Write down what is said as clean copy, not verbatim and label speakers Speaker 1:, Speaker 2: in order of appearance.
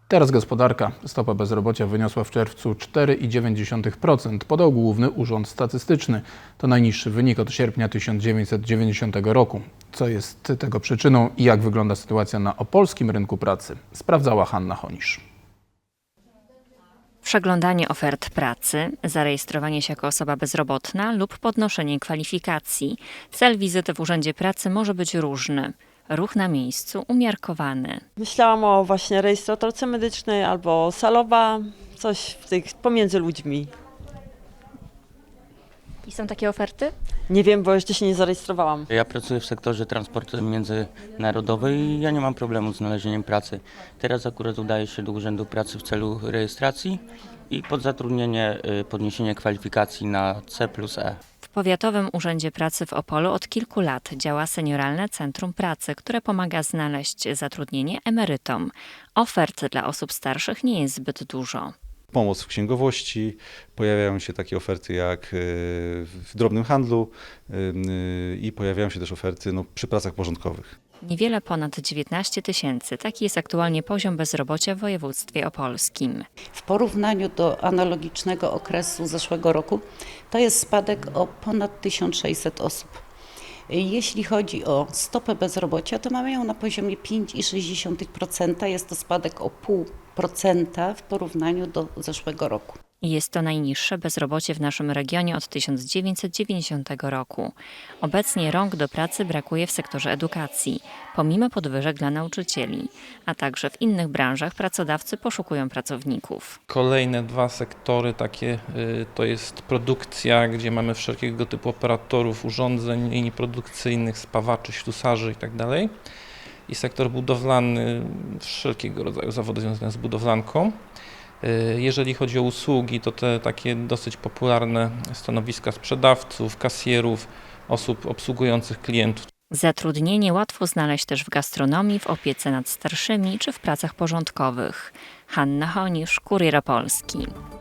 Speaker 1: Teraz gospodarka. Stopa bezrobocia wyniosła w czerwcu 4,9%, podał Główny Urząd Statystyczny. To najniższy wynik od sierpnia 1990 roku. Co jest tego przyczyną i jak wygląda sytuacja na opolskim rynku pracy, sprawdzała Hanna Honisz.
Speaker 2: Przeglądanie ofert pracy, zarejestrowanie się jako osoba bezrobotna lub podnoszenie kwalifikacji. Cel wizyty w Urzędzie Pracy może być różny. Ruch na miejscu umiarkowany.
Speaker 3: Myślałam o właśnie rejestratorce medycznej albo salowa, coś w tych pomiędzy ludźmi.
Speaker 2: I są takie oferty?
Speaker 3: Nie wiem, bo jeszcze się nie zarejestrowałam.
Speaker 4: Ja pracuję w sektorze transportu międzynarodowy i ja nie mam problemu z znalezieniem pracy. Teraz akurat udaję się do Urzędu Pracy w celu rejestracji i podzatrudnienie, podniesienie kwalifikacji na C+E.
Speaker 2: W Powiatowym Urzędzie Pracy w Opolu od kilku lat działa Senioralne Centrum Pracy, które pomaga znaleźć zatrudnienie emerytom. Ofert dla osób starszych nie jest zbyt dużo.
Speaker 5: Pomoc w księgowości, pojawiają się takie oferty jak w drobnym handlu i pojawiają się też oferty przy pracach porządkowych.
Speaker 2: Niewiele ponad 19 000. Taki jest aktualnie poziom bezrobocia w województwie opolskim.
Speaker 6: W porównaniu do analogicznego okresu zeszłego roku to jest spadek o ponad 1600 osób. Jeśli chodzi o stopę bezrobocia, to mamy ją na poziomie 5,6%. Jest to spadek o 0,5% w porównaniu do zeszłego roku.
Speaker 2: Jest to najniższe bezrobocie w naszym regionie od 1990 roku. Obecnie rąk do pracy brakuje w sektorze edukacji, pomimo podwyżek dla nauczycieli, a także w innych branżach pracodawcy poszukują pracowników.
Speaker 7: Kolejne dwa sektory takie to jest produkcja, gdzie mamy wszelkiego typu operatorów urządzeń, linii produkcyjnych, spawaczy, ślusarzy itd. I sektor budowlany, wszelkiego rodzaju zawody związane z budowlanką. Jeżeli chodzi o usługi, to te takie dosyć popularne stanowiska sprzedawców, kasjerów, osób obsługujących klientów.
Speaker 2: Zatrudnienie łatwo znaleźć też w gastronomii, w opiece nad starszymi czy w pracach porządkowych. Hanna Honisz, Kurier Opolski.